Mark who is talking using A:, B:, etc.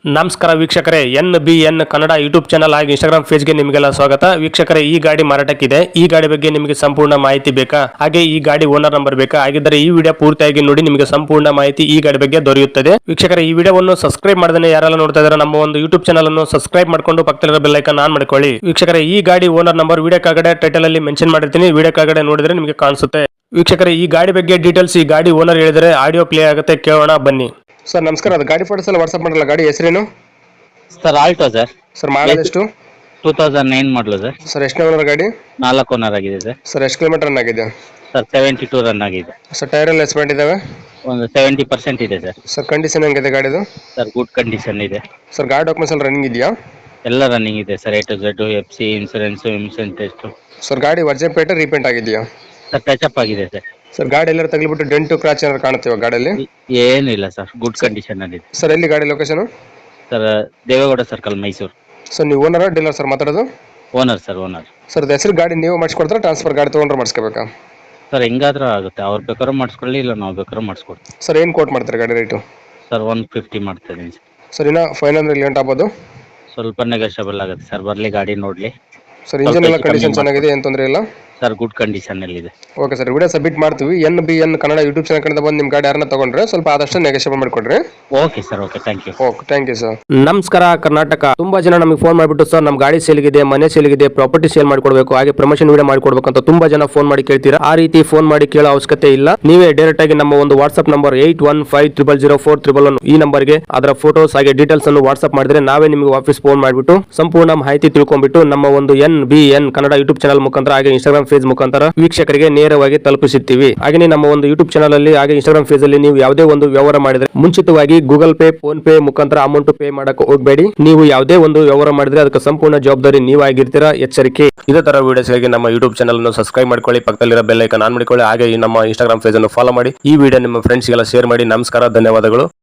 A: ನಮಸ್ಕಾರ ವೀಕ್ಷಕರೇ, NBN Kannada YouTube channel ಹಾಗೂ ಇನ್ಸ್ಟಾಗ್ರಾಮ್ ಪೇಜ್ಗೆ ನಿಮಗೆಲ್ಲ ಸ್ವಾಗತ. ವೀಕ್ಷಕರೇ, ಈ ಗಾಡಿ ಮಾರಾಟಕ್ಕಿದೆ. ಈ ಗಾಡಿ ಬಗ್ಗೆ ನಿಮಗೆ ಸಂಪೂರ್ಣ ಮಾಹಿತಿ ಬೇಕಾ? ಹಾಗೆ ಈ ಗಾಡಿ ಓನರ್ ನಂಬರ್ ಬೇಕಾ? ಹಾಗಿದ್ದರೆ ಈ ವಿಡಿಯೋ ಪೂರ್ತಿಯಾಗಿ ನೋಡಿ, ನಿಮಗೆ ಸಂಪೂರ್ಣ ಮಾಹಿತಿ ಈ ಗಾಡಿ ಬಗ್ಗೆ ದೊರೆಯುತ್ತದೆ. ವೀಕ್ಷಕರೇ, ಈ ವಿಡಿಯೋವನ್ನು ಸಬ್ಸ್ಕ್ರೈಬ್ ಮಾಡದೇ ಯಾರೆಲ್ಲ ನೋಡ್ತಾ ಇದ್ದಾರೆ ನಮ್ಮ ಒಂದು ಯೂಟ್ಯೂಬ್ ಚಾನಲ್ ಅನ್ನು ಸಬ್ಸ್ಕ್ರೈಬ್ ಮಾಡ್ಕೊಂಡು ಪಕ್ಕದಲ್ಲಿರೋ ಬೆಲ್ ಐಕಾನ್ ಆನ್ ಮಾಡ್ಕೊಳ್ಳಿ. ವೀಕ್ಷಕರೇ, ಈ ಗಾಡಿ ಓನರ್ ನಂಬರ್ ವಿಡಿಯೋ ಕೆಳಗಡೆ ಟೈಟಲ್ ಅಲ್ಲಿ ಮೆನ್ಷನ್ ಮಾಡಿರ್ತೀನಿ, ವಿಡಿಯೋ ಕೆಳಗಡೆ ನೋಡಿದ್ರೆ ನಿಮಗೆ ಕಾಣಿಸುತ್ತೆ. ವೀಕ್ಷಕರೇ, ಈ ಗಾಡಿ ಬಗ್ಗೆ ಡೀಟೇಲ್ಸ್ ಈ ಗಾಡಿ ಓನರ್ ಹೇಳಿದರೆ ಆಡಿಯೋ ಪ್ಲೇ ಆಗುತ್ತೆ, ಕೇಳೋಣ ಬನ್ನಿ. ಸರ್ ನಮಸ್ಕಾರ, ಅದು ಗಾಡಿ ಫೋಟೋಸ್ ಎಲ್ಲ ವಾಟ್ಸ್ಆಪ್ ಮಾಡಲ್ಲ, ಗಾಡಿ ಹೆಸರೇನು?
B: Sir Alto sir.
A: Sir model ಎಷ್ಟು?
B: 2009 ಮಾಡಲು ಸರ್.
A: ಸರ್ ಎಷ್ಟು ಓನರ್ ಗಾಡಿ?
B: 4 ಓನರ್ ಆಗಿದೆ ಸರ್.
A: ಸರ್ ಎಷ್ಟು ಕಿಲೋಮೀಟರ್ ರನ್ ಆಗಿದೆ?
B: ಸರ್ 72 ರನ್ ಆಗಿದೆ.
A: ಸರ್ ಟೈರ್ ಎಲ್ಲ ಎಸ್ಪೆಂಟ್ ಇದಾವೆ?
B: ಒಂದು 70% ಇದೆ ಸರ್.
A: ಸರ್ ಕಂಡೀಷನ್ ಹೆಂಗಿದೆ ಗಾಡಿದು?
B: ಸರ್ ಗುಡ್ ಕಂಡೀಷನ್ ಇದೆ.
A: ಸರ್ ಗಾಡಿ ಡಾಕ್ಯುಮೆಂಟ್ಸ್ ಎಲ್ಲ ರನ್ನಿಂಗ್ ಇದೆಯಾ?
B: ಎಲ್ಲ ರನ್ನಿಂಗ್ ಇದೆ sir. A to Z, FC, insurance test.
A: Sir ಗಾಡಿ ವರ್ಜನ್ ಪೇಟೆ ರೀಪೇಂಟ್ ಆಗಿದೆಯಾ?
B: ಸರ್ ಟಚ್ ಆಗಿದೆ ಸರ್.
A: ಸರ್ ಗಾಡಿ ಎಲ್ಲರೂ ತಗ್ಲಿಬಿಟ್ಟು ಡೆಂಟು ಕ್ರಾಚ್ ಏನಾದ್ರು ಕಾಣುತ್ತೆ ಗಾಡಿಯಲ್ಲಿ?
B: ಏನಿಲ್ಲ ಸರ್, ಗುಡ್ ಕಂಡೀಷನ್ ಅಲ್ಲಿ ಇದೆ.
A: ಸರ್ ಎಲ್ಲಿ ಗಾಡಿ location?
B: Sir Devegowda circle, Mysuru.
A: Sir ನೀವು ಓನರ್ ಡೀಲರ್ ಸರ್ ಮಾತಾಡೋದು?
B: Owner sir, owner.
A: ಸರ್ ಹೆಸರು ಗಾಡಿ ನೀವು ಮಾಡಿಸ್ಕೊಡ್ತಾರೆ, ಟ್ರಾನ್ಸ್ಫರ್ ಗಾಡಿ ತೊಗೊಂಡ್ರೆ ಮಾಡಿಸ್ಕೋಬೇಕಾ?
B: ಸರ್ ಹೆಂಗಾದ್ರೂ ಆಗುತ್ತೆ, ಅವ್ರು ಬೇಕಾದ್ರೂ ಮಾಡಿಸ್ಕೊಳ್ಳಿ, ಇಲ್ಲ ನಾವು ಬೇಕಾದ್ರೂ ಮಾಡಿಸ್ಕೊಡ್ತೀವಿ.
A: ಸರ್ ಏನು ಕೋಟ್ ಮಾಡ್ತಾರೆ ಗಾಡಿ ರೇಟು?
B: ಸರ್ 150 ಮಾಡ್ತಾ ಇದ್ದೀನಿ ಸರ್.
A: ಸರ್ ಇನ್ನು ಫೈನಲ್ ಲೇಟ್ ಆಗ್ಬೋದು?
B: ಸ್ವಲ್ಪ ನೆಗೋಷಿಯಬಲ್ ಆಗುತ್ತೆ ಸರ್, ಬರಲಿ ಗಾಡಿ ನೋಡಲಿ.
A: ಸರ್ ಇಂಜಿನ್ ಎಲ್ಲ ಕಂಡೀಷನ್ ಚೆನ್ನಾಗಿದೆ, ಏನು ತೊಂದರೆ ಇಲ್ಲ?
B: ಸರ್ ಗುಡ್ ಕಂಡೀಷನ್ ಅಲ್ಲಿ ಇದೆ.
A: ಓಕೆ ಸರ್, ವಿಡಿಯೋ ಸಬ್ಮಿಟ್ ಮಾಡ್ತೀವಿ. NBN ಕನ್ನಡ ಯೂಟ್ಯೂಬ್ ಚಾನಲ್ ಕಡೆಯಿಂದ ಬಂದು ನಿಮ್ಮ ಗಾಡಿ ಯಾರನ್ನ ತಗೊಂಡ್ರೆ ಸ್ವಲ್ಪ ಆದಷ್ಟು ನೆಗೋಷಿಯೇಟ್ ಮಾಡಿಕೊಡ್ರಿ.
B: Okay sir, okay, thank you.
A: Okay, thank you sir. ನಮಸ್ಕಾರ ಕರ್ನಾಟಕ. ತುಂಬಾ ಜನ ನಮಗೆ ಫೋನ್ ಮಾಡಿಬಿಟ್ಟು ಸರ್ ನಮ್ಮ ಗಾಡಿ ಸೇಲ್ಗಿದೆ, ಮನೆ ಸೇಲ್ಗಿದೆ, ಪ್ರಾಪರ್ಟಿ ಸೇಲ್ ಮಾಡ್ಕೊಡ್ಬೇಕು, ಹಾಗೆ ಪ್ರಮೋಷನ್ ವಿಡಿಯೋ ಮಾಡ್ಕೊಡ್ಬೇಕು ಅಂತ ತುಂಬಾ ಜನ ಫೋನ್ ಮಾಡಿ ಕೇಳ್ತೀರಾ. ಆ ರೀತಿ ಫೋನ್ ಮಾಡಿ ಕೇಳೋ ಅವಶ್ಯಕತೆ ಇಲ್ಲ. ನೀವೇ ಡೈರೆಕ್ಟ್ ಆಗಿ ನಮ್ಮ ಒಂದು ವಾಟ್ಸ್ಆಪ್ ನಂಬರ್ 81500411 ಈ ನಂಬರ್ಗೆ ಅದರ ಫೋಟೋಸ್ ಹಾಗೆ ಡೀಟೇಲ್ಸ್ ಅನ್ನು ವಾಟ್ಸ್ಆಪ್ ಮಾಡಿದ್ರೆ ನಾವೇ ನಿಮಗೆ ವಾಪಸ್ ಫೋನ್ ಮಾಡಿಬಿಟ್ಟು ಸಂಪೂರ್ಣ ಮಾಹಿತಿ ತಿಳ್ಕೊಂಡ್ಬಿಟ್ಟು ನಮ್ಮ ಒಂದು NBN ಕನ್ನಡ ಯೂಟ್ಯೂಬ್ ಚಾನಲ್ ಮುಖಾಂತರ ಹಾಗೆ ಇನ್ಸ್ಟಾಗ್ರಾಮ್ ಪೇಜ್ ಮುಖಾಂತರ ವೀಕ್ಷಕರಿಗೆ ನೇರವಾಗಿ ತಲುಪಿಸುತ್ತೀವಿ. ಹಾಗೆ ನಮ್ಮ ಒಂದು ಯೂಟ್ಯೂಬ್ ಚಾನಲ್ ಅಲ್ಲಿ ಹಾಗೆ ಇನ್ಸ್ಟಾಗ್ರಾಮ್ ಪೇಜ್ ಅಲ್ಲಿ ನೀವು ಯಾವುದೇ ಒಂದು ವ್ಯವಹಾರ ಮಾಡಿದ್ರೆ ಮುಂಚಿತವಾಗಿ ಗೂಗಲ್ ಪೇ, ಫೋನ್ ಪೇ ಮುಖಾಂತರ ಅಮೌಂಟ್ ಪೇ ಮಾಡಕ್ಕೆ ಹೋಗಬೇಡಿ. ನೀವು ಯಾವುದೇ ಒಂದು ವ್ಯವಹಾರ ಮಾಡಿದ್ರೆ ಅದಕ್ಕೆ ಸಂಪೂರ್ಣ ಜವಾಬ್ದಾರಿ ನೀವಾಗಿರ್ತೀರಾ, ಎಚ್ಚರಿಕೆ. ಇದೇ ತರ ವಿಡಿಯೋಸ್ಗಾಗಿ ನಮ್ಮ ಯೂಟ್ಯೂಬ್ ಚಾನಲ್ ಅನ್ನು ಸಬ್ಸ್ಕ್ರೈಬ್ ಮಾಡ್ಕೊಳ್ಳಿ, ಪಕ್ಕದಲ್ಲಿರೋ ಬೆಲ್ ಐಕಾನ್ ಆನ್ ಮಾಡಿಕೊಳ್ಳಿ, ಹಾಗೆ ನಮ್ಮ ಇನ್ಸ್ಟಾಗ್ರಾಮ್ ಪೇಜ್ ಅನ್ನು ಫಾಲೋ ಮಾಡಿ. ಈ ವಿಡಿಯೋ ನಿಮ್ಮ ಫ್ರೆಂಡ್ಸ್ಗೆಲ್ಲ ಶೇರ್ ಮಾಡಿ. ನಮಸ್ಕಾರ, ಧನ್ಯವಾದಗಳು.